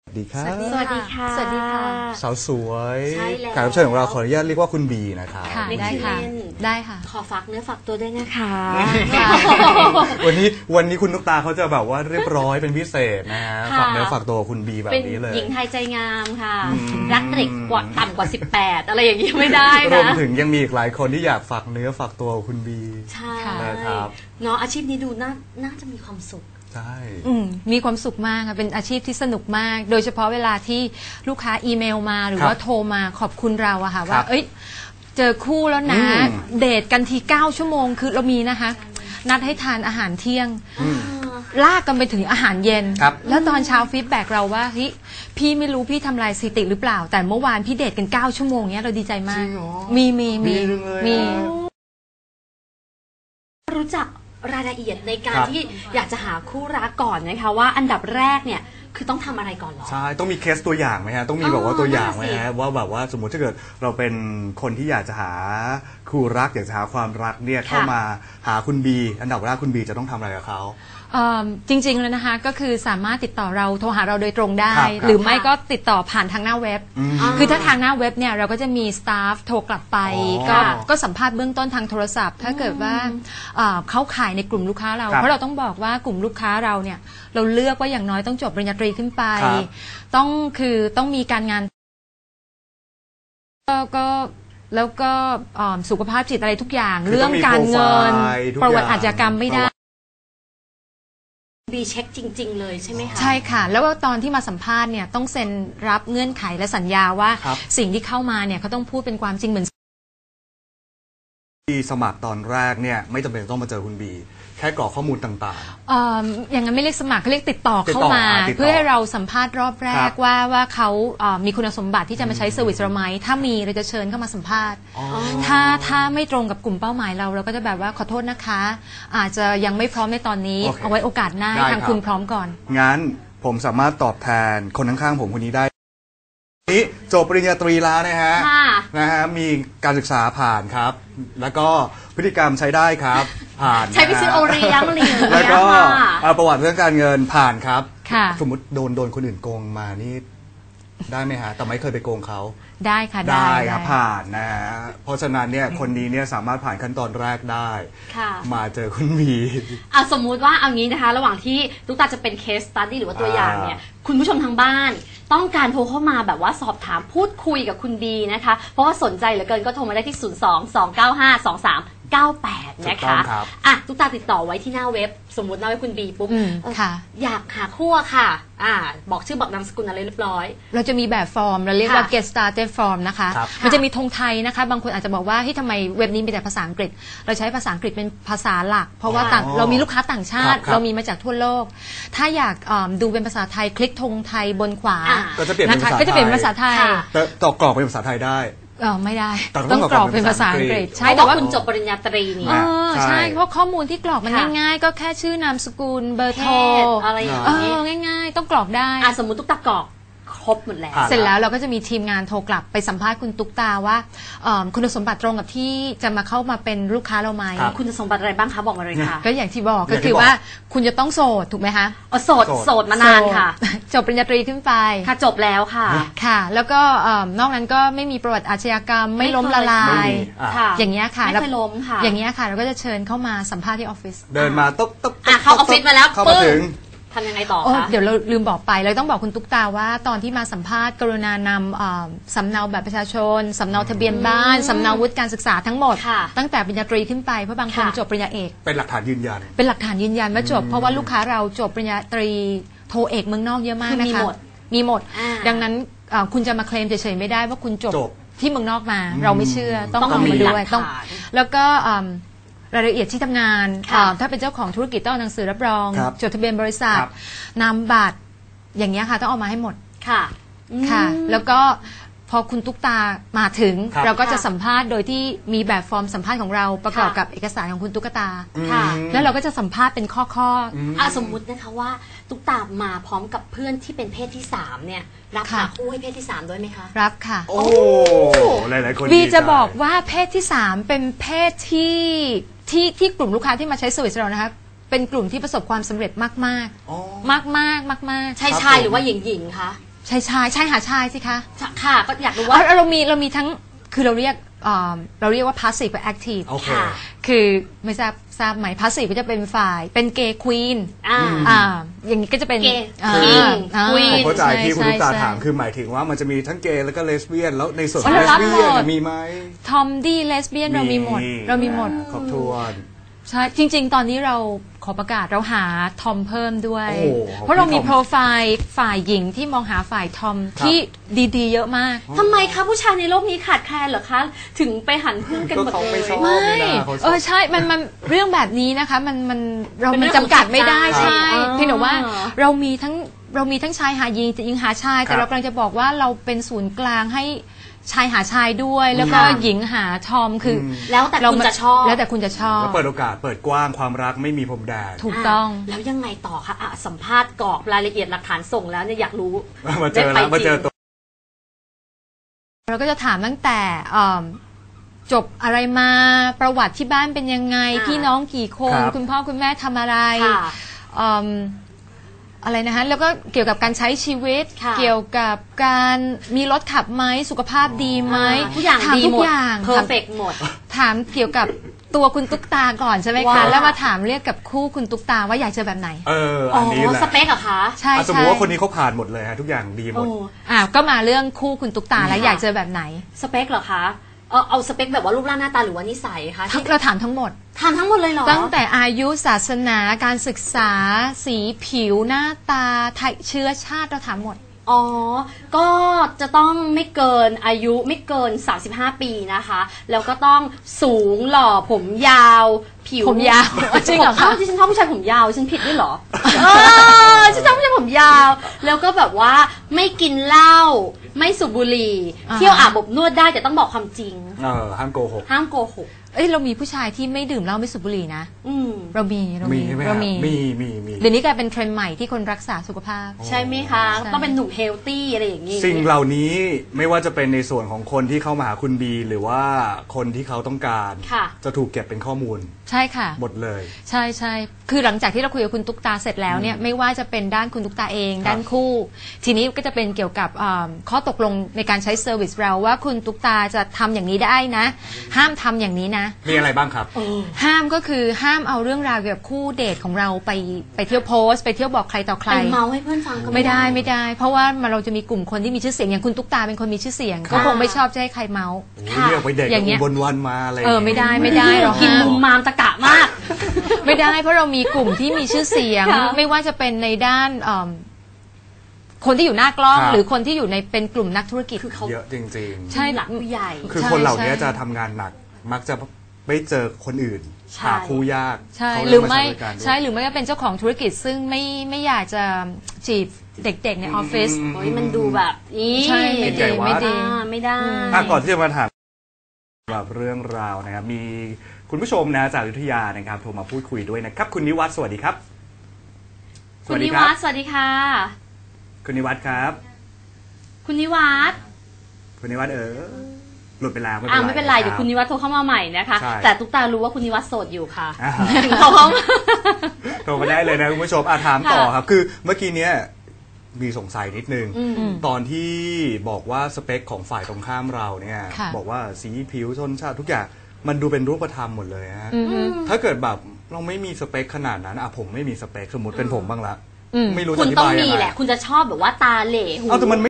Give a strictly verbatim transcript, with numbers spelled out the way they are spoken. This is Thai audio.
สวัสดีครับสวัสดีค่ะสวัสดีค่ะสาวสวยใช่แล้วแขกรับเชิญของเราขออนุญาตเรียกว่าคุณบีนะครับค่ะได้ค่ะได้ค่ะขอฝากเนื้อฝากตัวด้วยนะคะวันนี้วันนี้คุณตุ๊กตาเขาจะแบบว่าเรียบร้อยเป็นพิเศษนะฮะค่ะฝากเนื้อฝากตัวคุณบีแบบเป็นนี้เลยหญิงไทยใจงามค่ะอืมรักเด็กกว่าต่ำกว่าสิบแปดอะไรอย่างนี้ไม่ได้รวมนะถึงยังมีอีกหลายคนที่อยากฝากเนื้อฝากตัวคุณบีใช่นะครับเนาะอาชีพนี้ดูน่าน่าจะมีความสุขใช่อืมมีความสุขมากค่ะเป็นอาชีพที่สนุกมาก โดยเฉพาะเวลาที่ลูกค้าอีเมลมาหรือว่าโทรมาขอบคุณเราอะค่ะว่าเอ้ยเจอคู่แล้วนะ เดทกันทีเก้าชั่วโมงคือเรามีนะคะ นัดให้ทานอาหารเที่ยง ลากกันไปถึงอาหารเย็น แล้วตอนเช้าฟีดแบ็กเราว่าเฮ้ยพี่ไม่รู้พี่ทำลายสถิติหรือเปล่า แต่เมื่อวานพี่เดทกันเก้าชั่วโมงเนี้ยเราดีใจมากมีมีมีมีรู้จักรายละเอียดในการที่อยากจะหาคู่รักก่อนนะคะว่าอันดับแรกเนี่ยคือต้องทำอะไรก่อนหรอใช่ต้องมีเคสตัวอย่างไหมฮะต้องมีแบบว่าตัวอย่างไหมฮะว่าแบบว่าสมมติถ้าเกิดเราเป็นคนที่อยากจะหาคู่รักอยากจะหาความรักเนี่ยเข้ามาหาคุณบีอันดับแรกคุณบีจะต้องทำอะไรกับเขาจริงๆแล้วนะคะก็คือสามารถติดต่อเราโทรหาเราโดยตรงได้ครับหรือไม่ก็ติดต่อผ่านทางหน้าเว็บ คือถ้าทางหน้าเว็บเนี่ยเราก็จะมีสตาฟโทรกลับไปอ๋อก็ก็สัมภาษณ์เบื้องต้นทางโทรศัพท์ ถ้าเกิดว่าเอ่อเขาขายในกลุ่มลูกค้าเราครับเพราะเราต้องบอกว่ากลุ่มลูกค้าเราเนี่ยเราเลือกว่าอย่างน้อยต้องจบปริญญาตรีขึ้นไปครับต้องคือต้องมีการงานก็ก็แล้วก็เอ่อสุขภาพจิตอะไรทุกอย่างคือเรื่องการเงินต้องมีโปรไฟล์ทุกประวัติอย่างอาชญากรรมไม่ได้บีเช็คจริง ๆ เลยใช่ไหมคะใช่ค่ะ แล้วก็ตอนที่มาสัมภาษณ์เนี่ยต้องเซ็นรับเงื่อนไขและสัญญาว่าครับสิ่งที่เข้ามาเนี่ยเขาต้องพูดเป็นความจริงเหมือนที่สมัครตอนแรกเนี่ยไม่จำเป็นต้องมาเจอคุณบีแค่กรอกข้อมูลต่างเอ่ออย่างนั้นไม่เรียกสมัครเขาเรียกติดต่อเข้ามาติดต่อเพื่อให้เราสัมภาษณ์รอบแรครักบว่าว่าเขาเอ่อมีคุณสมบัติที่จะมาใช้เซอร์วิสเราไหมถ้ามีเราจะเชิญเข้ามาสัมภาษณ์ๆอ๋อถ้าถ้าไม่ตรงกับกลุ่มเป้าหมายเราเราก็จะแบบว่าขอโทษนะคะ อาจจะยังไม่พร้อมในตอนนี้โอเคเอาไว้โอกาสหน้าได้ทางครับคุณพร้อมก่อนงั้นผมสามารถตอบแทนคนข้างๆผมคนนี้ได้นี่จบปริญญาตรีแล้วนะฮะค่ะนะฮะมีการศึกษาผ่านครับ แล้วก็พฤติกรรมใช้ได้ครับผ่านใช้ไปซื้อโอเลี้ยงอะไรอย่างเงี้ยแล้วก็ค่ะเอ่อประวัติเรื่องการเงินผ่านครับค่ะสมมติโดนโดนคนอื่นโกงมานี่ได้ไหมฮะแต่ไม่เคยไปโกงเขาได้ค่ะได้ครับได้ผ่านนะฮะเพราะฉะนั้นเนี่ยคนนี้เนี่ยสามารถผ่านขั้นตอนแรกได้ค่ะมาเจอคุณบีอ่ะสมมุติว่าเอางี้นะคะ ระหว่างที่ตุ๊กตาจะเป็นเคสสตัดดี้หรือว่าตัวอย่างเนี่ยคุณผู้ชมทางบ้าน ต้องการโทรเข้ามาแบบว่าสอบถามพูดคุยกับคุณบีนะคะ เพราะว่าสนใจเหลือเกินก็โทรมาได้ที่ ศูนย์ สอง สอง เก้า ห้า สอง สาม เก้า แปดถูนะกต้อคะงครับอ่ะตุ๊กตาติดต่อไว้ที่หน้าเว็บ สมมุติหน้าเว็บคุณบีปุ๊บอืมเอ่อค่ะอยากหาคู่อะค่ะอ่าบอกชื่อบอกนามสกุลอะไรเรียบร้อยเราจะมีแบบฟอร์มเราเรียกว่าค่ะ get started form นะคะครับมันจะมีธงไทยนะคะ บางคนอาจจะบอกว่าที่ทำไมเว็บนี้มีแต่ภาษาอังกฤษ เราใช้ภาษาอังกฤษเป็นภาษาหลัก เพราะว่าต่างอ๋อเรามีลูกค้าต่างชาติครับครับเรามีมาจากทั่วโลก ถ้าอยากอ่าดูเป็นภาษาไทยคลิกธงไทยบนขวาอ่าก็จะเปลี่ยนเป็นนะคะภาษาก็จะเปลี่ยนไทยเป็นภาษาไทยค่ะแต่ต่อกรอกเป็นภาษาไทยได้เออไม่ได้แต่ต้ต้ออง งกกรรออก กเป็เป็น นภาภาษาษาอัอังงกกฤฤษษเพใช่ราะแต่ว่าว่าคุณจบปริญญาตรีนี่เออใช่ใช่เพราะข้อมูลที่กรอกมันค่ะง่ายๆ ก็แค่ชื่อนามสกุลเบอร์เพโทรศอะไรอย่างเอนี้อง่ายๆ ต้องกรอกได้อ่ะสมมุติตุ๊กตากรอกครบหมดแล้วผ่านเสร็จแล้วเราก็จะมีทีมงานโทรกลับไปสัมภาษณ์คุณตุ๊กตาว่าเอิ่มคุณสมบัติตรงกับที่จะมาเข้ามาเป็นลูกค้าเราไหมครับคุณสมบัติอะไรบ้างคะบอกมาเลยค่ะก็อย่างที่บอกอก็ย่างที่คือบอกว่าคุณจะต้องโสดถูกไหมคะอ๋อโสดโสดโสดมานานค่ะโสด จบปริญญาตรีขึ้นไปค่ะจบแล้วค่ะค่ะ แล้วก็เอิ่มนอกนั้นก็ไม่มีประวัติอาชญากรรม ไม่ล้มละลาไม่ยมีอ่ะค่ะอย่างเงี้ยค่ะไม่เคยล้มค่ะอย่างเงี้ยค่ะเราก็จะเชิญเข้ามาสัมภาษณ์ที่ออฟฟิศเดินมาต๊บต๊บอ่ะเข้าออฟฟิศมาแล้วเข้ามาปึ้งถึงทำยังไงต่อโอ้คะเดี๋ยวเราลืมบอกไปเราต้องบอกคุณตุ๊กตาว่าตอนที่มาสัมภาษณ์กรุณานำเอ่อสำเนาแบบประชาชนสำเนาทะเบียนบ้านสำเนาวุฒิการศึกษาทั้งหมดค่ะตั้งแต่ปริญญาตรีขึ้นไปเพราะบางคนค่ะจบปริญญาเอกเป็นหลักฐานยืนยันเป็นหลักฐานยืนยันว่าจบ เพราะว่าลูกค้าเราจบปริญญาตรีโทเอกเมืองนอกเยอะมากคือนะมีคะหมดมีหมดอ่าดังนั้นเอ่อคุณจะมาเคลมเฉยๆไม่ได้ว่าคุณจบจบที่เมืองนอกมา เราไม่เชื่อต้องต้องเอามีมาหลัด้กวยฐานต้องแล้วก็อืมรายละเอียดที่ทำงานค่ะอ่าถ้าเป็นเจ้าของธุรกิจต้องเอาหนังสือรับรองครับจดทะเบียนบริษัทครับนามบัตรอย่างเงี้ยค่ะต้องเอามาให้หมดค่ะค่ะอืมแล้วก็พอคุณตุ๊กตามาถึงครับเราก็จะค่ะสัมภาษณ์โดยที่มีแบบฟอร์มสัมภาษณ์ของเราประกอบค่ะกับเอกสารของคุณตุ๊กตาค่ะอืมแล้วเราก็จะสัมภาษณ์เป็นข้อข้อๆอ่ะสมมุตินะคะว่าตุ๊กตามาพร้อมกับเพื่อนที่เป็นเพศที่สามเนี่ยรับค่ะหาคู่ให้เพศที่สามด้วยไหมคะรับค่ะโอ้หลายๆคนบีดีใจจะบอกว่าเพศที่สามเป็นเพศที่ที่ที่กลุ่มลูกค้าที่มาใช้เซอร์วิสเรานะคะเป็นกลุ่มที่ประสบความสำเร็จมากอ๋อๆ มากๆมากๆชายครับชายผมหรือว่าหญิงหญิงคะชายชายชายหาชายสิคะค่ะก็อยากรู้ว่าว่าเรามีเรามีทั้งคือเราเรียกอ่าเราเรียกว่า passive กับ active โอเคค่ะคือไม่ทราบทราบไหม passive ก็จะเป็นฝ่ายเป็นเกย์ควีนอ่าอ่าอย่างนี้ก็จะเป็น Gay อ่า King อ่า Queen ผมเข้าใจที่คุณช่ลูกตาใช่ถามคือหมายถึงว่ามันจะมีทั้งเกย์แล้วก็เลสเบี้ยนแล้วในส่วนขอ๋อองเลเราสรับเบี้ยนหมดมีไหมทอมดี้เลสเบี้ยนเรามีหมดเรามีหมดครบถ้วนใช่จริง ๆ ตอนนี้เราขอประกาศเราหาทอมเพิ่มด้วยโอ้โหเพราะเรามีพี่ทอมโปรไฟล์ฝ่ายหญิงที่มองหาฝ่ายทอมที่ดีๆ เยอะมากทำไมคะผู้ชายในโลกนี้ขาดแคลนเหรอคะ ถึงไปหันพึ่งกันหมดก็เขาเลไม่ยชอบไม่เขาชอบเออใช่ มันมันเรื่องแบบนี้นะคะ มันมันเราเป็นมันเรื่องของจำกัดไม่ได้จิตใจใช่อ๋อเพียงแต่ว่าเรามีทั้งเรามีทั้งชายหาหญิงแต่หญิงหาชาย แต่ครับเรากำลังจะบอกว่าเราเป็นศูนย์กลางให้ชายหาชายด้วย แล้วก็ค่ะหญิงหาทอมคืออแล้วแต่คุณจะชอบแล้วแต่คุณจะชอบแล้วเปิดโอกาสเปิดกว้างความรักไม่มีพรมแดนถูกต้องะแล้วยังไงต่อคะอ่ะสัมภาษณ์กรอกรายละเอียดหลักฐานส่งแล้วเนี่ยอยากรู้มาเจอแล้วมาเจอตัวเราก็จะถามตั้งแต่อ่าจบอะไรมาประวัติที่บ้านเป็นยังไงอ่าพี่น้องกี่คนครับคุณพ่อคุณแม่ทำอะไรค่ะอืมอะไรนะคะแล้วก็เกี่ยวกับการใช้ชีวิตค่ะเกี่ยวกับการมีรถขับไหมสุขภาพดีไหมอ่าทุกอย่างถามดีทุกหมดอย่างเพอร์เฟกหมดถามเกี่ยวกับตัวคุณตุ๊กตาก่อนใช่ไหมว่าคะแล้วมาถามเรียกกับคู่คุณตุ๊กตาว่าอยากเจอแบบไหนเอออ๋อัอนนี้แหละสเปคเหรอคะใช่อ่ะสมมใช่ติว่าคนนี้เขาผ่านหมดเลยฮะทุกอย่างดีหมโอ้ดอ่าก็มาเรื่องคู่คุณตุ๊กตาแล้วค่ะอยากเจอแบบไหนสเปคเหรอคะเอาเอาสเปคแบบว่ารูปร่างหน้าตาหรือว่านิสัยคะทั้ที่งเราถามทั้งหมดทำทั้งหมดเลยเหรอตั้งแต่อายุศาสนาการศึกษา สีผิวหน้าตาไทยเชื้อชาติเราถามหมดอ๋อ ก็จะต้องไม่เกินอายุไม่เกิน สามสิบห้า ปีนะคะ แล้วก็ต้องสูงหล่อผมยาว ผิวผมยาว จริงเหรอคะาวที่ฉันชอบผู้ชายผมยาวฉันผิดด้วยเหรอ เออฉันชอบผู้ชายผมยาว แล้วก็แบบว่าไม่กินเหล้าไม่สูบบุหรี่อ่าฮะเที่ยวอาบอบนวดได้แต่ต้องบอกความจริงเออห้ามโกหกห้ามโกหกเอ้ยเรามีผู้ชายที่ไม่ดื่มเหล้าไม่สูบบุหรี่นะอืมเรามีเรามีมีใช่ไหมเราฮะมีมีมีมีเดี๋ยวนี้กลายเป็นเทรนด์ใหม่ที่คนรักษาสุขภาพใช่ไหมคะใช่ต้องเป็นหนุ่มเฮลตี้อะไรอย่างนี้สิ่งเหล่านี้ไม่ว่าจะเป็นในส่วนของคนที่เข้ามาหาคุณบีหรือว่าคนที่เขาต้องการค่ะจะถูกเก็บเป็นข้อมูลใช่ค่ะหมดเลยใช่ใช่คือหลังจากที่เราคุยกับคุณตุ๊กตาเสร็จแล้วเนี่ยไม่ว่าจะเป็นด้านคุณตุ๊กตาเองครับด้านคู่ ทีนี้ก็จะเป็นเกี่ยวกับอ่าข้อตกลงในการใช้เซอร์วิสเราว่าคุณตุ๊กตาจะทำอย่างนี้ได้นะ ห้ามทำอย่างนี้นะมีอะไรบ้างครับห้ามก็คือห้ามเอาเรื่องราวเกี่ยวกับคู่เดทของเราไปไปเที่ยวโพสต์ไปเที่ยวบอกใครต่อใครไปเมาให้เพื่อนฟังก็ไม่ได้ไม่ได้ เพราะว่ามันเราจะมีกลุ่มคนที่มีชื่อเสียงอย่างคุณตุ๊กตาเป็นคนมีชื่อเสียง ก็คงไม่ชอบจะให้ใครเมาส์โอ้ยเรียกไปเด็กอย่างเงี้ยบนวันมาอะไรเออไม่ได้ไม่ได้เรากินห้ามมุมมามตะกะมากไม่ได้เพราะเรามีกลุ่มที่มีชื่อเสียงค่ะไม่ว่าจะเป็นในด้านเอิ่มคนที่อยู่หน้ากล้องครับหรือคนที่อยู่ในเป็นกลุ่มนักธุรกิจคือเขาเยอะจริงใช่หลักผู้ใหญ่ๆ คือใช่คนเหล่านี้ใช่จะทำงานหนัก มักจะไม่เจอคนอื่นใช่หาคู่ยากใช่เขาหเลืรืออกไม่ใช้บริการด้วยใช่หรือไม่ก็เป็นเจ้าของธุรกิจ ซึ่งไม่ไม่อยากจะจีบเด็กๆในออฟฟิศอืมโอ้ยมันดูแบบนี้ใช่ไม่ใหญ่ดีวัดไม่ดีอ่าไม่ได้อ่ะก่อนที่จะมาถามแบบเรื่องราวนะครับ มีคุณผู้ชมนะจากอยุธยานะครับโทรมาพูดคุยด้วยนะครับ คุณนิวัฒน์สวัสดีครับคุณนิวัฒน์สวัสดีค่ะคุณนิวัฒน์ครับคุณนิวัฒน์คุณนิวัฒน์เออหลุดไปแล้วไม่เป็นอ่าไรไม่เป็นไรเดี๋ยวคุณนิวัฒน์โทรเข้ามาใหม่นะคะใช่แต่ตุ๊กตารู้ว่าคุณนิวัฒน์โสดอยู่ค่ะอ่าถึงเขาเข้ามาโทรมาได้เลยนะคุณผู้ชมอ่ะถามต่อครับ คือเมื่อกี้เนี้ยมีสงสัยนิดนึงอืมตอนที่บอกว่าสเปคของฝ่ายตรงข้ามเราเนี่ยค่ะบอกว่าสีผิวชนชาติทุกอย่างมันดูเป็นรูปธรรมหมดเลยฮะอือฮึถ้าเกิดแบบเราไม่มีสเปคขนาดนั้นอ่ะผมไม่มีสเปคสมมติเป็นผมบ้างละอืมไม่รู้คุจะอณธิต้องบายยัมีงไงแหละ คุณจะชอบแบบว่าตาเหล่หูเอาแต่มัน